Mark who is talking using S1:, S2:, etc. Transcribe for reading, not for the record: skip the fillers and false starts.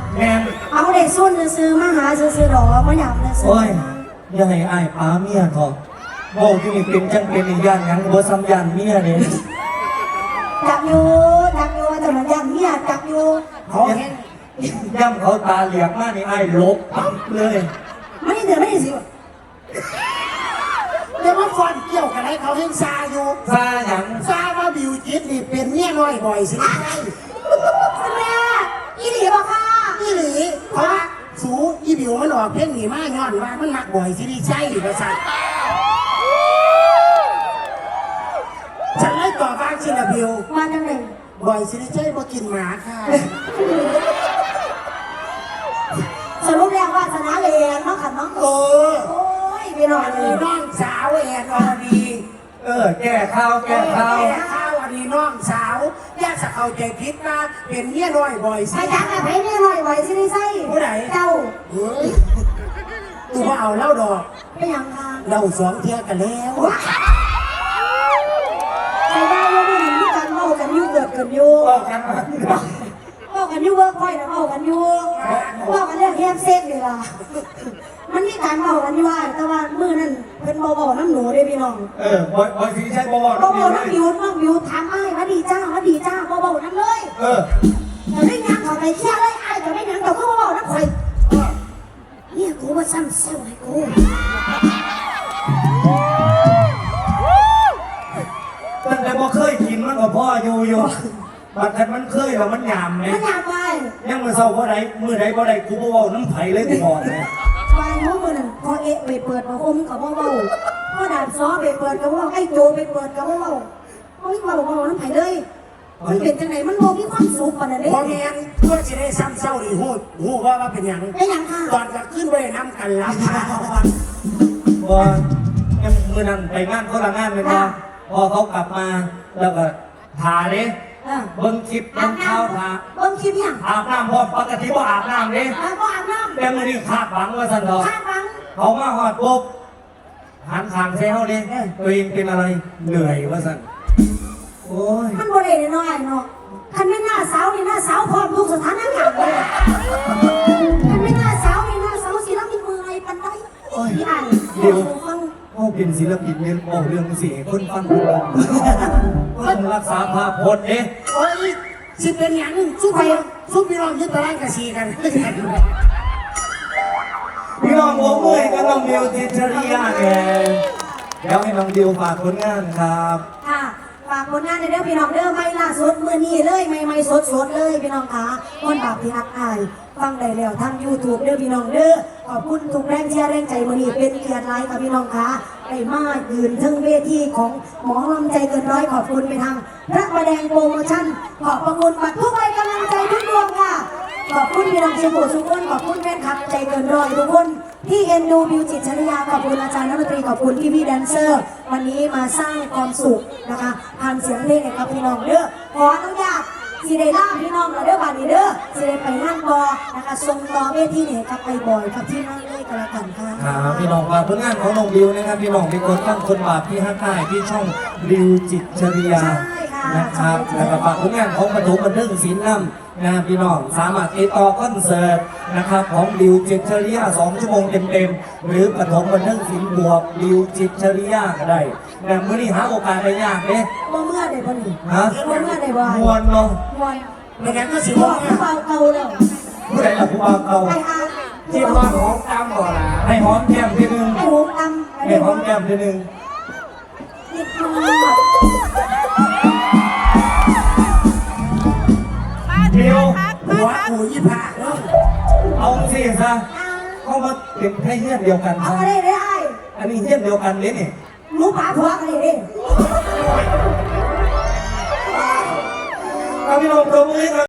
S1: แม่
S2: เอาเด็กซุ่นซื้อมาหาซื้อดอกไม่อยากเลยซื้อ
S1: โอ้ยอย่าให้อ้ายป้าเมียเถอะโอ้ที่นี่เป็นจังเป็นอีกย่านยังบ่ซ้ำย่านเมียเนี่ย
S2: จับอยู่แต่ละยันเมียจับอยู่
S1: เขาเห็นย่ำเขาตาเหลียกมากนี่อ้ายลบปั๊บเลย
S2: ไม่ได้สิ
S3: เดี๋ยวมาฟอนเกี่ยวกันให้เขาเห็นซาอยู่
S1: ซาหยัง
S3: ซาว่าบิวจิตนี่เป็นเมียน้อยบ่อยสิใช่
S2: แม่อีหลีบอกค่ะ
S3: อีหลีเพราะว่าสูอีบิวมันออกเพลงหนีมาย้อนว่ามันมักบ่อยสิใช่หรือไม่ใช่ฉันเลยต่อฟังชินะบิว
S2: มาจังเลย
S3: บ่อยสิใช่บ่กินหมาค่ะ
S2: สรุปแล้วว่าชนะเลยน้องขันน้องโอ้ยพี่น้อง
S3: น้องสาวแอนอรดี
S1: แก้ข้าว
S3: อันนี้น้องสาวแยกสักเข้าใจผิดนะเป็นเมียน้อยบ่อยสิ
S2: ไปจังอะไปเมียน้อยบ่อยสิใช่
S3: ผู้ใด
S2: เจ้า
S3: ตัวเอาเล่าดอก
S2: ไม่ยังค่ะ
S3: เรา2 เที่ยกันแล้ว
S2: ใครได้ยกมือมีการเมากันยุ่เกิดกันยุ่เมากันยุ่เวิร์กพอยต์นะเมากันยุ่เมากันเรื่องแฮมเซ็กเลยล่ะมันมีการเมากันอยู่ว่าแต่ว่ามือนั่นเป็นเบาๆน้ำหนูได้พี่น้อง
S1: บ่สิใช่บ่
S2: น้ำบิวถามไอ้มาดีจ้าเบาๆน้ำเลยจะได้ยังเขาไปเที่ยวเลยไอ้จะได้ยังแต่ก็เบาๆน้ำไข่เนี่ยกูว่าซ้ำเซลให้กู
S1: ตั้งแต่บ่เคยกินมันก็พ่ออยู่บัดแต่มันเคยแล้วมันหยามไหม
S2: มันหยามไป
S1: ยังมือเศร้าบ่ได้มือใดบ่ได้กูบ่เว้าน้ำไผ่เลยกูบอกเลย
S2: ไปมือนั่นพอไปเปิดมาอมกับเบาพอดาบซ้อไปเปิดกับเบาไอ้โจไปเปิดกับเบาไม่เบาน้ำไผ่เลยมันเป็นจังไหนมันโมมีความสุขปานนั้นเอง
S3: พอแม่เพื่อจะได้ซ้ำเศร้าดีหูว่าเป็นอย่าง
S2: ค่ะ
S3: ตอนจะขึ้นไปน้ำกันรับ
S1: บ่ยังมือนั้นไปงานคนละงานเลยนะพอเขากลับมาแล้วก็ทาเด้เบิ้งคลิปเบิ้งข้าวทา
S2: เบิ้งคลิปยัง
S1: อาบน้ำพอปกติบ่อาบน้ำเด้
S2: บ่อาบน้ำ
S1: แต่มือนี้ขาดหวังว่าสันดอกเขามาหอดปุ๊บหันขางเซลเด้ตัวเองเป็นอะไรเหนื่อยว่าสันโอ้ย
S2: มันบ่ได้น้อยเนาะคันไม่หน้าสาวนี่หน้าสาวพร้อมทุกสถานการณ์เลยคันไม่หน้าสาวนี่หน้าสาวศิลปินมืออะไรปันได้พี่อ่าน
S1: เดี๋ยวเขาเป็นศิลปินเนี่ยบอกเรื่องเสียคนฟังคนรักษาภาพพจน์เอ๊ะ
S3: โอ้ยสิเป็นอย่างซุปพี่น้องยึดตะไลกระชีกัน
S1: พี่น้องหัวเมื่อยก็น้องดิวจิตรริยาไงเดี๋ยวให้น้องดิวฝากผลงานครับ
S2: ค่ะฝากผลงานในเรื่องพี่น้องเด้อไม่ล่าสุดมือนี้เลยไม่สดเลยพี่น้องคะคนบาปที่ฮักอายฟังได้แล้วทาง YouTube เด้อพี่น้องเด้อขอบคุณทุกแรงเชียร์แรงใจมือนี้เป็นเกียรติไลฟ์ค่ะพี่น้องคะได้มายืนถึงเวทีของหมอลำใจเกินร้อยขอบคุณไปทางพระประแดงโปรโมชั่นขอบพระคุณบัตรทุกใบกำลังใจทุกดวงค่ะขอบคุณพี่น้องเชียร์โบทุกคนขอบคุณแฟนคลับใจเกินร้อยทุกคนที่เอ็นดูบิวจิตชริยาขอบคุณอาจารย์นักดนตรีขอบคุณพี่แดนเซอร์วันนี้มาสร้างความสุขนะคะผ่านเสียงเพลงให้กับพี่น้องเด้อขออนุญาตสิได้ล่าพี่น้องเราเด้อบาดีเด้อสิได้ไปนั่งบอนะคะทรงต่อเวทีเนี่ยกับไปบ่อยกับที่นั่งเลยกันละกันค่ะ
S1: ครับพี่น้องฝากผลงานของน้องบิวนะครับพี่น้องเป็นคนตั้งคนบาปที่ฮักได้ที่ช่องบิวจิตชริยานะครับแล้วก็ฝากผลงานของปฐมบันเทิงศิลป์นำนะพี่น้องสามารถติดต่อคอนเสิร์ตนะครับของบิวจิตชริยา2 ชั่วโมงเต็มๆหรือปฐมบันเทิงศิลป์บวกบิวจิตชริยาก็ได้แต่เมื่อนี้หาโอกาสได้ยากเนี่ย
S2: เมื่อได้บ่นี่
S1: ฮะ
S2: เมื่อได้บ่
S1: มวนเนาะ
S2: มวน
S3: ในนั้นก็สิ
S2: ว่าผู้เบาเก่าแล้ว
S1: ผู้ใดล่ะผู้เบาเก่า
S3: ที่ว่าของตามบ่ล่ะ
S1: ให้หอมแก้มทีนึง
S2: ให้หอมตำ
S1: ให้หอมแก้มทีนึงเดียว
S3: หัวกู25
S1: เอาสิซะเข้ามาเป็นแค่เฮี้ยนเดียวกัน
S2: เอาได้
S1: อันนี้เฮี้ยนเดียวกันเลยนี่
S2: หนูป่าผัวกันเลย
S1: พี่น้องตบมือ